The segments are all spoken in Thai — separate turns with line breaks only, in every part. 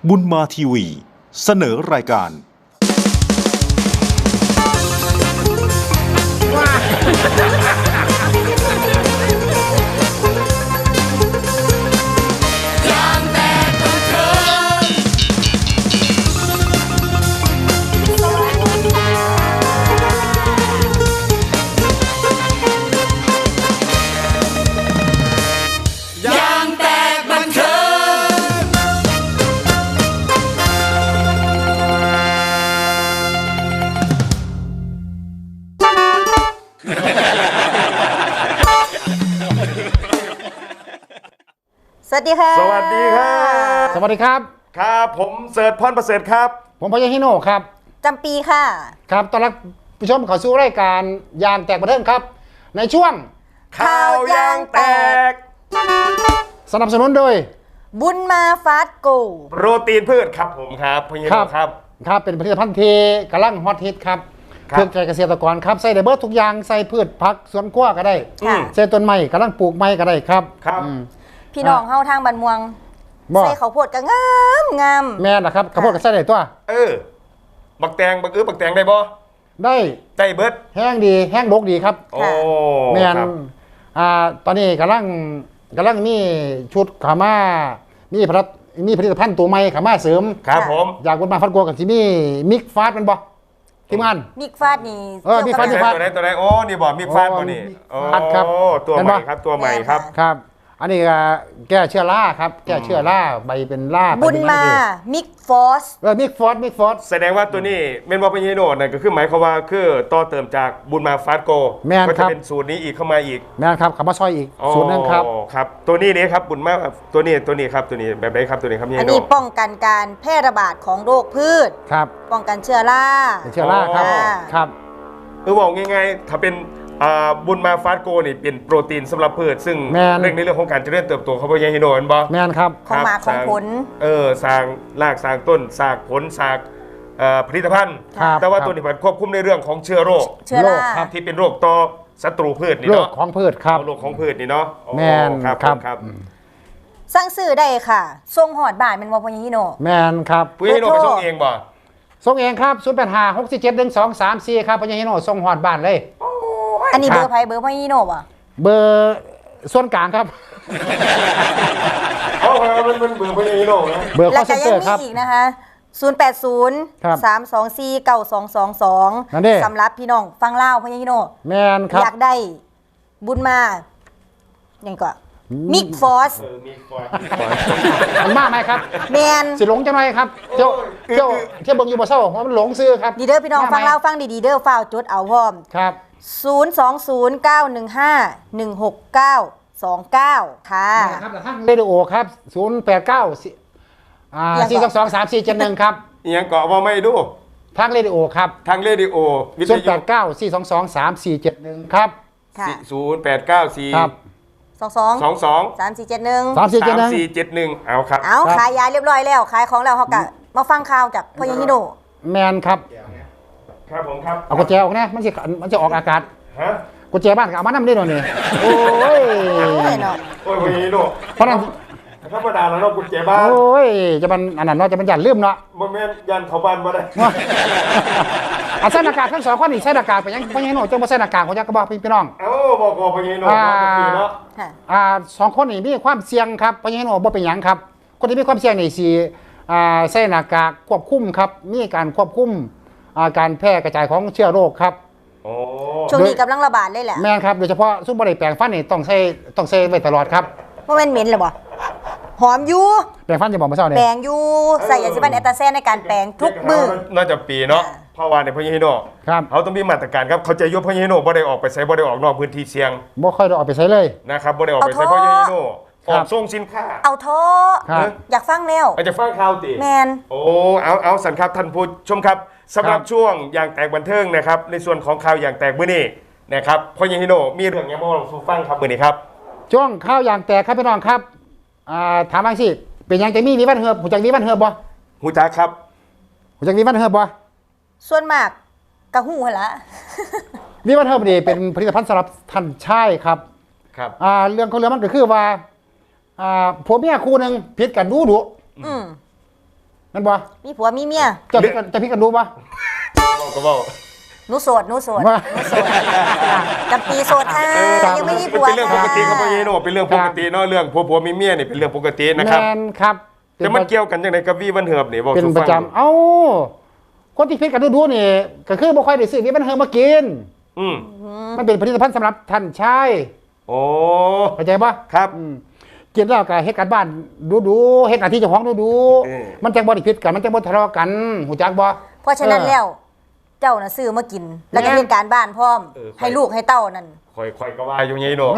บุญมาทีวีเสนอรายการ
สวัสดีค่ะ
สวัสดีครับ
สวัสดีครับ
ครับผมเสิร์ชพรประเสริฐครับ
ผมพยาฮิโน่ครับ
จำปีค่ะ
ครับต้อนรับผู้ชมเข้าสู่รายการยางแตกบันเทิงครับในช่วง
ข่าวยางแตก
สนับสนุนโดย
บุญมาฟาสโก
โปรตีนพืชครับผมครับพยิโนครับ
ครับเป็นผลิตภัณฑ์ที่กำลังฮอตฮิตครับเพื่อใจเกษตรกรครับใส่ได้เบิร์ทุกอย่างใส่พืชผักสวนครัวก็ได้ใส่ต้นไม้กำลังปลูกไม้ก็ได้ครับ
ครับ
พี่น้องเฮาทางบ้านม่วงใส่ข้าวโพดก็งาม
แม่นะครับข้าวโพดก็ใส่ได้ตัว
บักแตงบักแตงได้บ่ได้เบิร์ด
แห้งดีแห้งดกดีครับ
โอ้
แม่นตอนนี้กำลังมีชุดขาม่ามีผลิตภัณฑ์ตัวใหม่ขาม่าเสริม
ครับผม
อยากบุญมาฟัดโกกับที่มีมิกฟาสมันบ่ทีมงาน
มิกฟาดนี่
มิกฟาด
ตัวไหนโอ้นี่บ่มิกฟาดบ่นี่โอ้ตัวใหม่ครับตัวใหม่ครับ
ครับอันนี้แก้เชื้อราครับแก้เชื้อราใบเป็นรา
บุญมามิกฟอส
มิกฟอส
แสดงว่าตัวนี้เมนบอเป็นยีโน่นั่นก็คือหมายความว่าคือต่อเติมจากบุญมาฟาสโกก็จะเป็นสูตรนี้อีกเข้ามาอีก
แม่นครับขับมาซอยอีกสูตรนึงครับ
ครับตัวนี้ครับบุญมาตัวนี้ครับตัวนี้แบบไหนครับตัวนี้ครับยีโน่
อันนี้ป้องกันการแพร่ระบาดของโรคพืช
ครับ
ป้องกันเชื้อรา
ครับ
บอกง่ายๆถ้าเป็นบุญมาฟาสโกนี่เป็นโปรตีนสำหรับพืชซึ่งเรื่องในเรื่องของการเจริญเติบโตเขาบอกยังฮิโนนบอ
แม่นครับ
ของหมากของผล
สร้างรากสร้างต้นสร้างผลสร้างผลิตภัณฑ์แต่ว่าตัวนี้มันควบคุมในเรื่องของเชื้อโรคที่เป็นโรคต่อศัตรูพืชนี่เนาะ
โรคของพืชครับ
โรคของพืชนี่เนาะ
แม่น
ครับ
สั่งซื้อได้ค่ะส่งหอดบ้านเป็นวอพยิโน
แม่นครับ
พยิโนไปส่งเองบ่
ส่งเองครับ085-647-1234ครับพยิโนส่งหอดบ้านเลย
อันนี้เบอร์ไพ่เบอร์พ่อยี่โน่ป่ะ
เบอร์ส่วนกลางครับ
มันเบอร์พ่อยี่โน่นะ
เบอร์คอลเซ็นเตอร์ครับ
แล้วก็ยังมีอีกนะคะ080-324-9222สำหรับพี่น้องฟังเล่าพ่อยี่โน่
แมนครับ
อยากได้บุญมาอย่างก่อนมิกฟอส
มันมากไหมครับ
แมน
สิหลงจังไรครับเที่ยวเบิ่งอยู่บ่เศร้าเพราะมันหลงซื้อครับ
ดีเด้อพี่น้องฟังเล่าฟังดีๆเด้อฟ้าวจดเอาพร้อม
ครับ
020-915-16929ค่ะ
ครับทางเรดิโอครับ089-422-3471ครับ
ยังเกาะว่าไม่ดู
ทางเรดิโอครับ
ทางเรดิโอ
089-422-3471ครับ
0894
ครับ
3471เอาครับ
เอาขายยาเรียบร้อยแล้วขายของแล้วเขากะมาฟังข่าวจากพ่อยังฮิโน
แมนครับ
ครับผมครับ
เอากุญแจออกนะมันจะออกอากาศกุญแจบ้านเอามานำได้หน่อยนี่โอ้ย
พ่อยังฮิโน
เพราะนั้น
ธรรมดาแล้วเรากุญแจบ้าน
โอ้ยจะมันอันนั้นเนาะจะมันยันลืมเนาะ
บ่แม่นยันเขาบ้านบ่ได้
ใส่หน้ากากทั้งสองคนนี่ใส่หน้ากากไปยังพ่อยังฮิโนจังบ่ใส่หน้ากากของจักกระบอกพี่น้อง
บอกพ่อยังฮิโนเนาะ
2คนนี่มีความเสี่ยงครับพ่อยังฮิโนบ่เป็นหยังครับคนที่มีความเสี่ยงนี่สิใส่หน้ากากควบคุมครับมีการควบคุมการแพร่กระจายของเชื้อโรคครับ
ช่วงนี้กำลังระบาดเลยแหละ
แม่ครับโดยเฉพาะซุปบริแปลงฟันนี่ต้องใช้ไว้ตลอดครับ
เพราะมันเหม็นเลยบ่หอมอยู่
แปลงฟันจะบอกมาเช้าเนี่ย
แปลงอยู่ใส่ยาสีฟันแอตตาแซนในการแปลงทุกมื้อ
น่าจะปีเนาะเพราะว่าในพ่อยังฮิโนเขาต้องมีมาตรการครับเขาจะยกพ่อยังฮิโนบ่ได้ออกไปใช้บ่ได้ออกนอกพื้นที่เสี่ยง
บ่ค่อยได้ออกไปใช้เลย
นะครับบ่ได้ออกไปใช้พ่อยังฮิโนออกส่งสินค้า
เอาท่ออยากฟังแล้ว
จะฟังข่าวติ
แมน
เอาสันครับท่านผู้ชมครับสำหรับช่วงอย่างแตกบันเทิงนะครับในส่วนของข่าวอย่างแตกมื้อนี้นะครับพ่อยังฮิโนมีเรื่องยังบ่ลองฟังครับมื้อนี้ครับ
ช่วงข่าวอย่างแตกครับพี่น้องครับถามบางสิเป็นยังจะมีวันเฮือบหูจักมีวันเฮือบบ่
หูจักครับ
หูจักมีวันเฮือบบ่
ส่วนมากกะหูหั่นละ
มีวันเฮือบนี่เป็นผลิตภัณฑ์สำหรับท่านชายครับเรื่องของเรื่องมันก็คือว่าผัวเมียคู่นึงผิดกันดุนั่นบ่
มีผัวมีเมีย
จะพี่กันรู้บ่
ก็บอก
หนูโสด
ว่า
จำปีโสดยังไม่มีผัว
เป็นเรื่องปกติครับพ่อเยโนเป็นเรื่องปกติเนาะเรื่องผัวมีเมียนี่เป็นเรื่องปกตินะครับ
แม่นครับ
แต่มันเกี่ยวกันจังไดกับวีวันเหิบนี่บอก
เป็น
สู่
ป
ฟั
ระ
ง
จำเอ้าคนที่พิษกันดูนี่ก็คือบ่ค่อยได้ซื้อนี่มันเฮอมากิน
อืม
มันเป็นผลิตภัณฑ์สำหรับท่านชาย
โอ้
เข้าใจปะ
ครับ
กินแล้วก็เฮ็ดการบ้านดูเฮ็ดหน้าที่เจ้าของดู
เออ
มันจังบ่ได้ผิดกันมันจังบ่ทะเลาะกันหูจักบ่
เพราะฉะนั้นแล้ว เจ้าน่ะซื้อมากิน แล้วก็เรียนการบ้านพร้อม ให้ลูกให้เต้านั่น
คอยก็ว่าอยู่ไงโน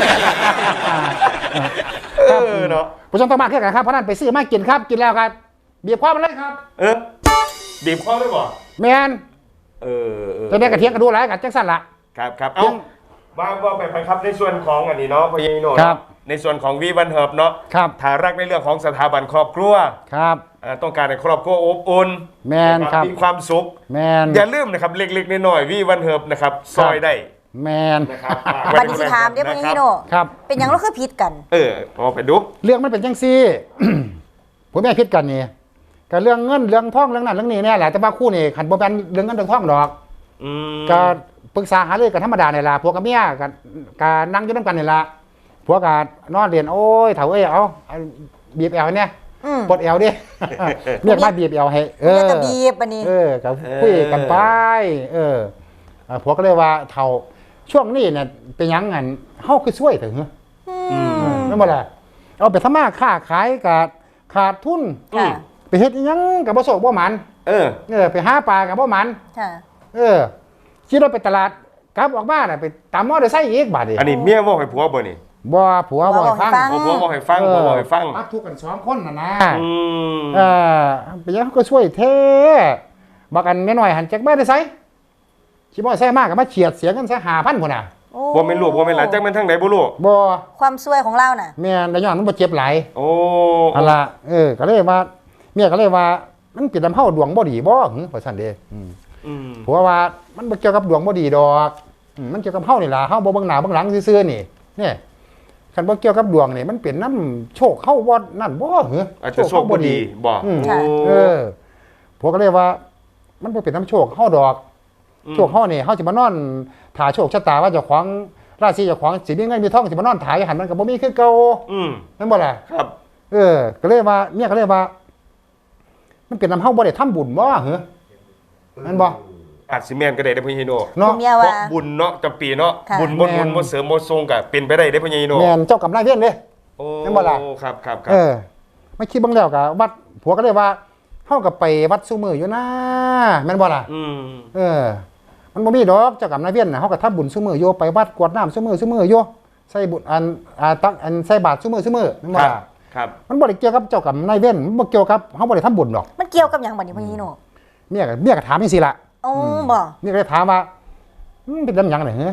เนาะ
ผู้ชมต้องมาคือกันครับเพราะนั้นไปซื้อมากินครับกินแล้วครับเบียบความมันเลยครับ
บีบคอได้บ่
แม่น
เออ
จะได้กระเทียมกระดูหลายกันจังซั่นล่ะ
ครับเอาว่าไปครับในส่วนของอันนี้เนาะพ่อเยโน
ครับ
ในส่วนของวีวันเหิบเนาะ
ครับ
ถ้ารักในเรื่องของสถาบันครอบครัว
ครับ
ต้องการให้ครอบครัวอบอุ่น
แม่นครับ
มีความสุข
แม่น
อย่าลืมนะครับเล็กๆน้อยๆวีวันเหิบนะครับซอยได้
แม่น
นะครับ
บัดนี้สิถามเด้พ่อนี่โน
ครับ
เป็นหยังเราคือผิดกัน
เอาไปดู
เรื่องมันเป็นจังซี่ ผมแม่พิดกันนี่ก็เรื่องเงินเรื่องทองเรื่องนั้นเรื่องนี้เนี่ยแหละแต่ว่าคู่นี่ขันบ่แม่นเรื่องเงินเรื่องทองดอก
อืม
ก็ปรึกษาหารือกันธรรมดาเนี่ยล่ะพวกกับเมียก็นั่งอยู่นำกันนี่ล่ะพวกก็นอนเรียนโอ้ยเฒ่าเอ้ยเอาบีบแอวเนี่ย
อืม
ปลดแอวดิ เรียกมาบีบแอวให้
เนี่ยก็บีบอันนี้
ก็คุยกันไปพวกก็เลยว่าเฒ่าช่วงนี้เนี่ยเป็นหยังงั้นเฮาคือช่วยเถอะเหรอนั่นบ่ล่ะเอาไปทำมาค้าขายก็ขาดทุน
ค่ะ
ไปเฮ็ดอิหยังกับบ่โศกบ่หมันไปหาปลากับบ่หมัน
ค่ะ
ขี่รถไปตลาดกลับออกมาน่ะไปตามมอเตอร์ไซค์อีกบาดนี้
อันนี้เมียบอกให้ผัวบ่นี่
บ่ผัวบ่ให้ฟัง
ผัวบอกให้ฟังผัวบอกให้ฟัง
ปักทุกข์กัน2คนน่ะนะ
อืม
เป็นหยังก็ช่วยแท้บักอันแม่น้อยหันจักมาได้ไสขี่มอเตอร์ไซค์มาก็มาเฉียดเสียเงินซะ5,000พุ่นน่ะ
โอ้
บ่แม่นลูกบ่แม่นหลานจักแม่นทางไหนบ่ลูก
บ่
ความซวยของเราน่ะ
แม่นได้ย้อนมันบ่เจ็บหลาย
โอ้
อันล่ะก็เลยว่าเมียก็เลยว่ามันเป็นลำเฮาดวงบ่ดีบ่หึว่าซั่นเด้ ผัวว่ามันบ่เกี่ยวกับดวงบ่ดีดอกมันเกี่ยวกับเฮานี่ล่ะเฮาบ่เบิ่งหน้าเบิ่งหลังซื่อๆนี่เนี่ยคันบ่เกี่ยวกับดวงนี่มันเป็นน้ำโชคเฮาบ่นั่นบ่เหรอ
อาจจะโชคบ่ดีบ่
ค่ะ
ผัวก็เลยว่า มันบ่เป็นน้ำโชคเฮาดอกโชคเฮานี่เฮาสิมานอนถ่าโชคชะตาว่าเจ้าของราศีเจ้าของสิมีเงินมีทองสิมานอนถ่ายหันมันก็บ่มีคือเก่านั่นบ่ล่ะ
ครับ
ก็เลยว่าเมียก็เลยว่า มันเป็นน้ำเฮาบ่ได้ทำบุญบ่เหรอนั่นบ่
อาจสิแม่นก็ได้เด้อพ่อใหญ่โน
เนาะ
ผมเมีย
เพ
ว่า
ราะบุญเนาะจำปีเนาะ
ค่ะ
บุญบ่เสริมบ่ทรงก็เป็นไปได้เด้อพ่อใหญ่โน
แม่นเจ้ากรรมนายเวรเด้
โอ้
นั่นบ่ล่ะ
ครับ
ไม่คิดเบ้างแล้วกับวัดผัวก็เลยว่าเข้ากับไปวัดซูมืออยู่นะแม่นบ่ล่ะมันบ่มีดอกเจ้ากรรมนายเวรน่ะเฮาก็ทำบุญซูมืออยู่ไปวัดกวดน้ำซูมืออยู่ใส่บุญตักใส่บาตรซูมือแม่นบ่ล่ะ
ครับ
มันบ่ได้เกี่ยวกับเจ้ากรรมนายเวรมันบ่เกี่ยวกับเฮาบ่ได้ทำบุญดอก
มันเกี่ยวกับหยังบัดนี้พ่อนี่โน
เมียก็ถามจังซี่ล่ะ
โอ้บ่
เมียก็เลยถามว่าเป็นลำหยังน่ะเหรอ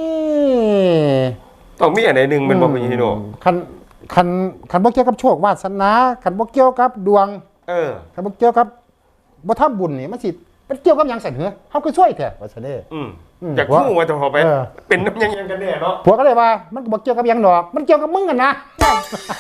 ต้องมีอันใดหนึงแม่นบ่พ่อใหญ่โน
คันบ่เกี่ยวกับโชควาสนาคันบ่เกี่ยวกับดวง คันบ่เกี่ยวกับบ่ทำบุญนี่มันสิมันเกี่ยวกับหยังสั่นเหรอเฮาก็ช่วยแท้ว่าซั่นเด้
อยากฮู้ว่าจะพอไปเป็นน้ำยังกันแน่เนาะ
ผัวก็เลยว่ามันก็บ่เกี่ยวกับหยังดอก มันเกี่ยวกับมึงกันนะ
นั่น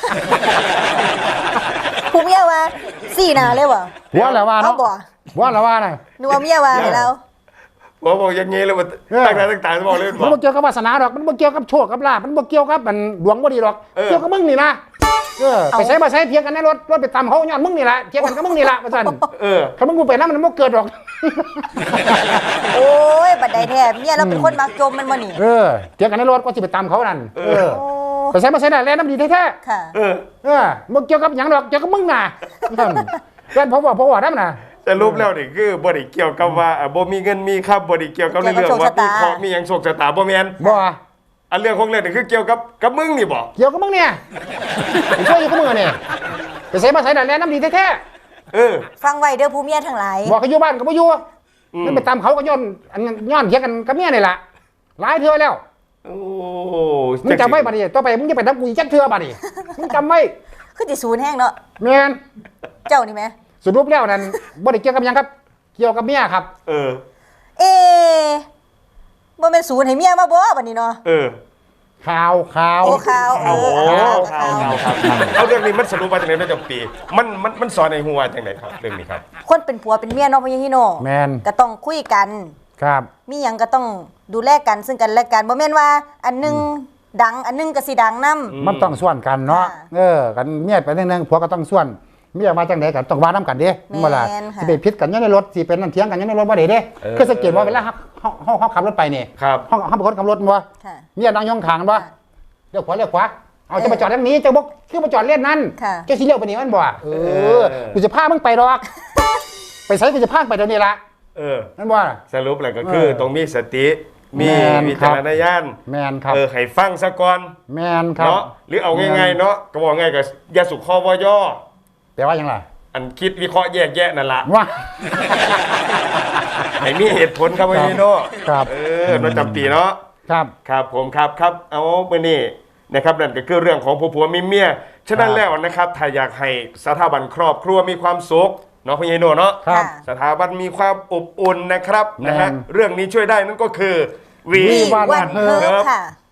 ผู้เมียว่าสี่หน้าเลยบ่
ผัวแล้วว่า
เอา
เนาะ
บ่
ผัวแล้วว่าน่ะ
หนูว่าเมียว่าให้เรา
บ่บอกอย่างงี้เลยว่าต่างๆบอกเลย
มันบ่เกี่ยวกับวาสนาดอก มันบ่เกี่ยวกับโชคกับลาภมันบ่เกี่ยวกับมันดวงบ่ดีดอก เกี่ยวกับมึงนี่นะไปใช้มาใช้เถียงกันในรถไปตามเขาย้อนมึงนี่ล่ะเถียงกันกับมึงนี่ล่ะว่าซั่นคันมึงบ่ไปนำมันบ่เกิดดอก
โอ้ยบัดใดแท้เมียเราเป็นคนมักจมมันบ่นี่
เถียงกันในรถก็สิไปตามเขานั่น
โอ้
ไปใช้มาใช้ได้แลน้ำดีแท้
ค่ะ
ๆบ่เกี่ยวกับหยังดอกเกี่ยวกับมึงน่ะนั่นแล้วเพราะว่านำน่ะ
แต่รูปแล้วนี่คือบ่ได้เกี่ยวกับว่าบ่มีเงินมีครับบ่ได้เกี่ยวกับเรื่องว่ามีเคราะห์มีหยังโชคชะตาบ่แม่น
บ่
อันเรื่องของเรื่องนี่คือเกี่ยวกับมึงนี่บ่
เกี่ยวกับมึงเนี่ยไปช่วยอยู่กับมึงเนี่ยไปใช้มาใช้ได้แลน้ำดีแท้ๆ
ฟังไว้เด้อผู้เมียทั้งหลาย
บอกเขาอยู่บ้านก็บ่อยู่มันไปตามเขาก็ย้อนเถียงกันกับเมียนี่ล่ะหลายเทื่อแล้ว
โอ้
มึงจำไว้บัดนี้ต่อไปมึงจะไปทำกูอีกจักเทื่อบัดนี้มึงจำไว้
คือสิศูนย์แห้งเนาะ
แม่น
เจ้านี่แหม
สรุปแล้วนั่นบ่ได้เกี่ยวกับหยังครับ เกี่ยวกับเมียครับ
เอ๊ะบ่แม่นศูนย์ให้เมียมาบ่บัดนี้เนาะ
ข่าว
โอ้ข่าว
โอ้โห
ข่าว
ครับเอาเรื่องนี้มันสรุปมาจากไหนนะจำปีมันสอนในหัวจากไหนครับเรื่องนี้ครับ
คนเป็นผัวเป็นเมียเนาะพี่ฮิโน
แมน
ก็ต้องคุยกัน
ครับ
มีหยังก็ต้องดูแลกันซึ่งกันและกันบ่แม่นว่า อันหนึงดังอันหนึงก็สิดังนำ
มันต้องส่วนกันเนาะ
ค่ะ
กันเมียไปเรื่องผัวก็ต้องส่วนเมียมาจังไดกันต้องว่านํกันเด้
แม่น
เวลา
ค่ะ
สิไปพิษกันอยู่ในรถสิเป็นนั่นเถียงกันอยู่ในรถบ่ได้เด้คือสังเกตว่าเวลาเฮาขับรถไปนี่
ครับ
เฮาเป็นคนขับรถบ่
ค่ะ
เมียนั่งยองข้างบ่
ค่ะ
เลี้ยวขวาเอาจะมาจอดทางนี้จะบ่คือมาจอดเล่นนั่น
ค่ะ
จะสิเลี้ยวไปนี่มันบ่กูจะพามึงไปดอก ไปไสกูจะพาไปเดี๋ยวนี้ล่ะ นั่นบ่
สรุปแล้วก็คือต้องมีสติมี
แม่น
วิจารณญาณ
แม่นครับ
ให้ฟังซะก่อน
แม่นครับ
เนาะหรือเอาง่ายๆเนาะก็บอกง่ายกับยาสุขคอวอย่อ
แปลว่าหยังล่ะ
อันคิดวิเคราะห์แยกแยะนั่นละ
ว่า
ให้มีเหตุผลครับพี่โน่
ครับ
เนาะจำปีเนาะ
ครับ
ครับผมครับเอาไปนี่นะครับนั่นก็คือเรื่องของผัวมีเมียฉะนั้นแล้วนะครับถ้าอยากให้สถาบันครอบครัวมีความสุขเนาะพี่โน่เนาะ
ครับ
สถาบันมีความอบอุ่นนะครับ
แม่น
นะฮะเรื่องนี้ช่วยได้นั่นก็คือ
We Want
วันเฮิร์
Herb
ค่ะ